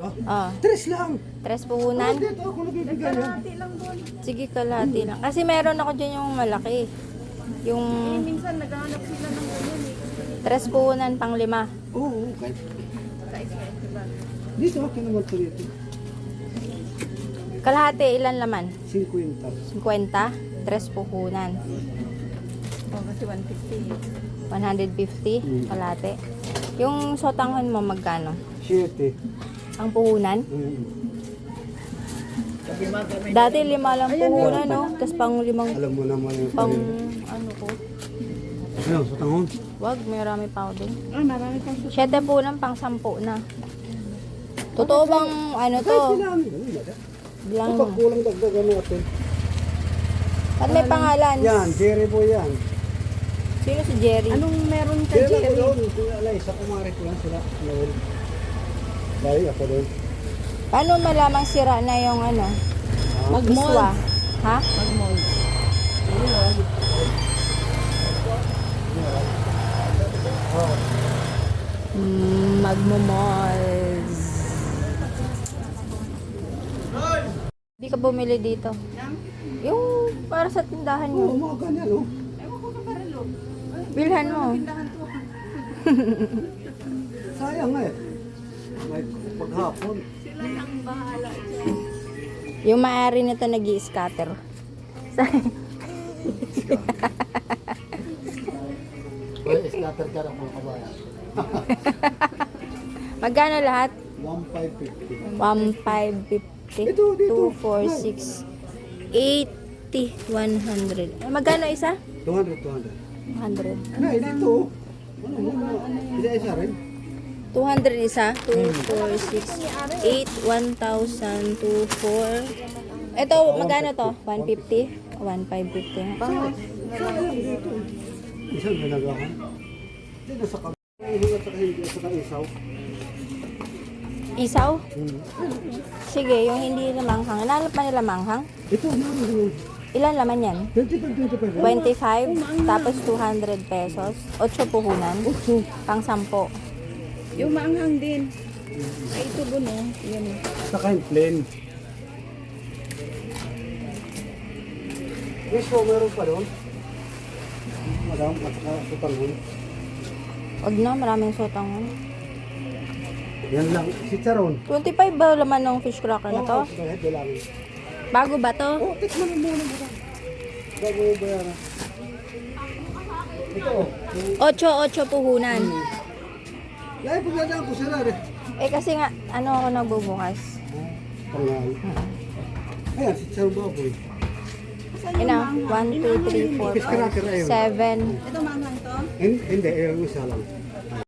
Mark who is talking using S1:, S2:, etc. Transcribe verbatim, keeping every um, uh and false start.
S1: Oh,
S2: Tres lang.
S1: tres puhunan.
S2: Dito ako nabibigyan yan.
S1: Sige, kalahati lang. Kasi meron ako dyan yung malaki. Yung
S3: Minsan naghahanap sila ng ganyan eh.
S1: tres puhunan pang lima.
S2: Oo, okay.
S3: Sa expensive ba?
S2: Dito ako naman ito dito.
S1: Kalahati, ilan laman?
S2: Cinquenta.
S1: fifty? Tres puhunan.
S3: Oh, kasi one fifty.
S1: one fifty,
S2: Mm.
S1: kalahati. Yung sotanghon mo magkano?
S2: Siete.
S1: Ang puhunan?
S2: Mm.
S1: Dati lima lang puhunan, no? Tapos pang limang,
S2: Alam mo naman yung
S1: pang
S2: pang...
S1: ano ko.
S2: Ano, sa tangon?
S1: Wag, may marami pa ako din.
S3: Ah, marami pang susunod.
S1: Siyete puhunan, pang sampu na. Totoo bang ano to?
S2: Kahit sila, ano, ano,
S1: Bilang,
S2: kapag kulang dagdagan natin.
S1: at may pangalan.
S2: Yan, Jerry po yan.
S1: Sino si Jerry?
S3: Anong meron ka,
S2: Jerry
S3: Jerry?
S2: ko doon, sila alay, sa kumari ko lang sila. Noel. Dahil ako doon.
S1: Paano malamang sira na yung ano?
S3: Mag-mold.
S1: Iswa? Ha?
S3: Mag-mold.
S1: Mm, magmumolds. Hindi ka bumili dito. Yung para sa tindahan
S2: Oo,
S1: mo.
S2: mga ganyan, oh.
S1: Bilhan mo.
S2: Sayang nga eh. May paghapon.
S1: Yung maaari nito nag-i-scatter.
S2: Well, scatter ka ng mga kabayan.
S1: Magkano lahat?
S2: one five fifty.
S1: one five fifty,
S2: Dito, dito.
S1: two four six, eighty, one hundred. Eh, magkano isa?
S2: two hundred, two hundred.
S1: one hundred.
S2: Nay, dito. Ano, ano, isa-isa rin.
S1: two hundred isa? two, four, six, eight, one thousand, two, four. Ito, magkano to? one fifty? one five fifty. Pang
S2: Sayang dito. Isang ginagawa. Dito sa kamay. Hingat sa hindi sa isaw.
S1: isaw?
S2: Hmm.
S1: Sige, yung hindi na manghang. Nanap pa nila manghang?
S2: Ito, naman yun.
S1: Ilan laman yan?
S2: twenty-five, twenty-five.
S1: twenty-five, tapos two hundred pesos. eight puhunan. Pang sampo.
S3: Yung maanghang din. Ay, ito po no. Yan.
S2: Saka yung plain. Yes po, meron pa doon. Madam, at saka sutangon.
S1: Wag na, maraming sotangon.
S2: Yan lang, si Charon.
S1: twenty-five ba laman ng fish cracker na to?
S2: Oo, kahit wala lang.
S1: Bago ba to?
S2: Oh, tikman mo muna mo. Bago mo bayaran. Ito, oh.
S1: Ocho, ocho puhunan.
S2: Lagi pagdadaan ko sila rin.
S1: Eh kasi nga, ano ako nagbubukas?
S2: Pangal. Ayan, si Charon Baboy.
S1: Ina, one, two, three, four,
S2: Fish
S1: five,
S2: cracker ayun.
S1: seven.
S3: Ito maanghang to?
S2: Hin- Hindi, eh, yung isa lang.